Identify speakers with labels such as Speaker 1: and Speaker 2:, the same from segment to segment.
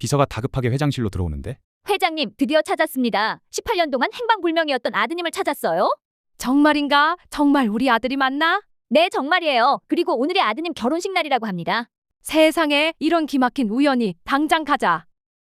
Speaker 1: 비서가 다급하게 회장실로 들어오는데
Speaker 2: 회장님, 드디어 찾았습니다. 18년 동안 행방불명이었던 아드님을 찾았어요?
Speaker 3: 정말인가? 정말 우리 아들이 맞나?
Speaker 2: 네, 정말이에요. 그리고 오늘이 아드님 결혼식 날이라고 합니다.
Speaker 3: 세상에 이런 기막힌 우연이. 당장 가자.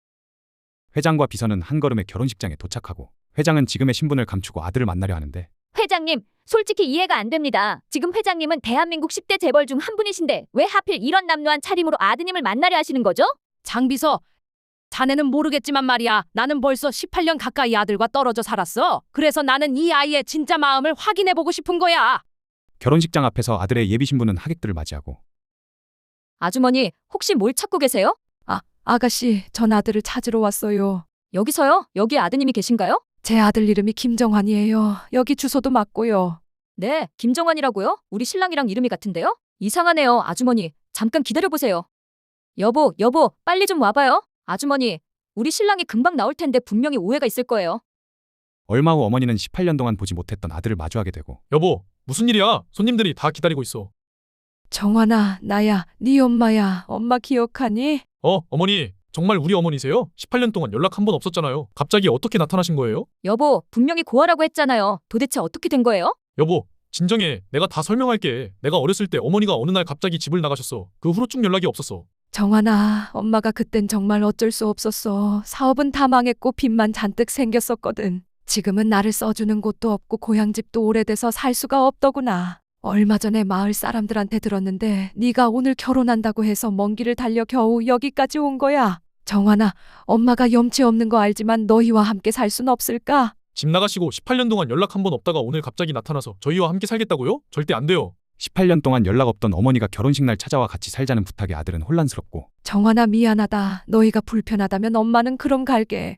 Speaker 1: 회장과 비서는 한걸음에 결혼식장에 도착하고 회장은 지금의 신분을 감추고 아들을 만나려 하는데
Speaker 2: 회장님, 솔직히 이해가 안 됩니다. 지금 회장님은 대한민국 10대 재벌 중 한 분이신데 왜 하필 이런 남루한 차림으로 아드님을 만나려 하시는 거죠?
Speaker 3: 장비서, 자네는 모르겠지만 말이야. 나는 벌써 18년 가까이 아들과 떨어져 살았어. 그래서 나는 이 아이의 진짜 마음을 확인해보고 싶은 거야.
Speaker 1: 결혼식장 앞에서 아들의 예비 신부는 하객들을 맞이하고
Speaker 2: 아주머니, 혹시 뭘 찾고 계세요?
Speaker 3: 아가씨, 전 아들을 찾으러 왔어요.
Speaker 2: 여기서요? 여기 아드님이 계신가요?
Speaker 3: 제 아들 이름이 김정환이에요. 여기 주소도 맞고요.
Speaker 2: 네, 김정환이라고요? 우리 신랑이랑 이름이 같은데요? 이상하네요, 아주머니. 잠깐 기다려보세요. 여보, 빨리 좀 와봐요. 아주머니, 우리 신랑이 금방 나올 텐데 분명히 오해가 있을 거예요.
Speaker 1: 얼마 후 어머니는 18년 동안 보지 못했던 아들을 마주하게 되고
Speaker 4: 여보, 무슨 일이야? 손님들이 다 기다리고 있어.
Speaker 3: 정환아, 나야. 네 엄마야. 엄마 기억하니?
Speaker 4: 어머니, 정말 우리 어머니세요? 18년 동안 연락 한 번 없었잖아요. 갑자기 어떻게 나타나신 거예요?
Speaker 2: 여보, 분명히 고아라고 했잖아요. 도대체 어떻게 된 거예요?
Speaker 4: 여보, 진정해. 내가 다 설명할게. 내가 어렸을 때 어머니가 어느 날 갑자기 집을 나가셨어. 그 후로 쭉 연락이 없었어.
Speaker 3: 정환아, 엄마가 그땐 정말 어쩔 수 없었어. 사업은 다 망했고 빚만 잔뜩 생겼었거든. 지금은 나를 써주는 곳도 없고 고향집도 오래돼서 살 수가 없더구나. 얼마 전에 마을 사람들한테 들었는데 네가 오늘 결혼한다고 해서 먼 길을 달려 겨우 여기까지 온 거야. 정환아, 엄마가 염치 없는 거 알지만 너희와 함께 살 순 없을까?
Speaker 4: 집 나가시고 18년 동안 연락 한 번 없다가 오늘 갑자기 나타나서 저희와 함께 살겠다고요? 절대 안 돼요.
Speaker 1: 18년 동안 연락 없던 어머니가 결혼식 날 찾아와 같이 살자는 부탁에 아들은 혼란스럽고
Speaker 3: 정환아, 미안하다. 너희가 불편하다면 엄마는 그럼 갈게.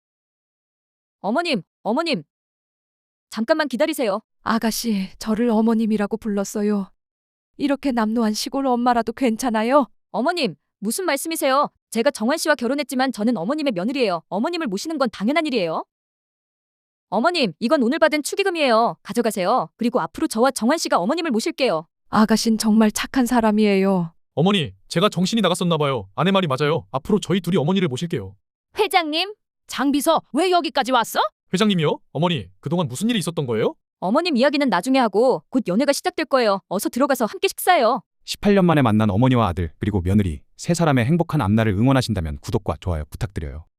Speaker 2: 어머님, 잠깐만 기다리세요.
Speaker 3: 아가씨, 저를 어머님이라고 불렀어요. 이렇게 남노한 시골 엄마라도 괜찮아요?
Speaker 2: 어머님, 무슨 말씀이세요? 제가 정환 씨와 결혼했지만 저는 어머님의 며느리예요. 어머님을 모시는 건 당연한 일이에요. 어머님, 이건 오늘 받은 축의금이에요. 가져가세요. 그리고 앞으로 저와 정환 씨가 어머님을 모실게요.
Speaker 3: 아가씨는 정말 착한 사람이에요.
Speaker 4: 어머니, 제가 정신이 나갔었나 봐요. 아내 말이 맞아요. 앞으로 저희 둘이 어머니를 모실게요.
Speaker 2: 회장님,
Speaker 3: 장비서, 왜 여기까지 왔어?
Speaker 4: 회장님이요? 어머니, 그동안 무슨 일이 있었던 거예요?
Speaker 2: 어머님 이야기는 나중에 하고 곧 연애가 시작될 거예요. 어서 들어가서 함께 식사해요.
Speaker 1: 18년 만에 만난 어머니와 아들 그리고 며느리 세 사람의 행복한 앞날을 응원하신다면 구독과 좋아요 부탁드려요.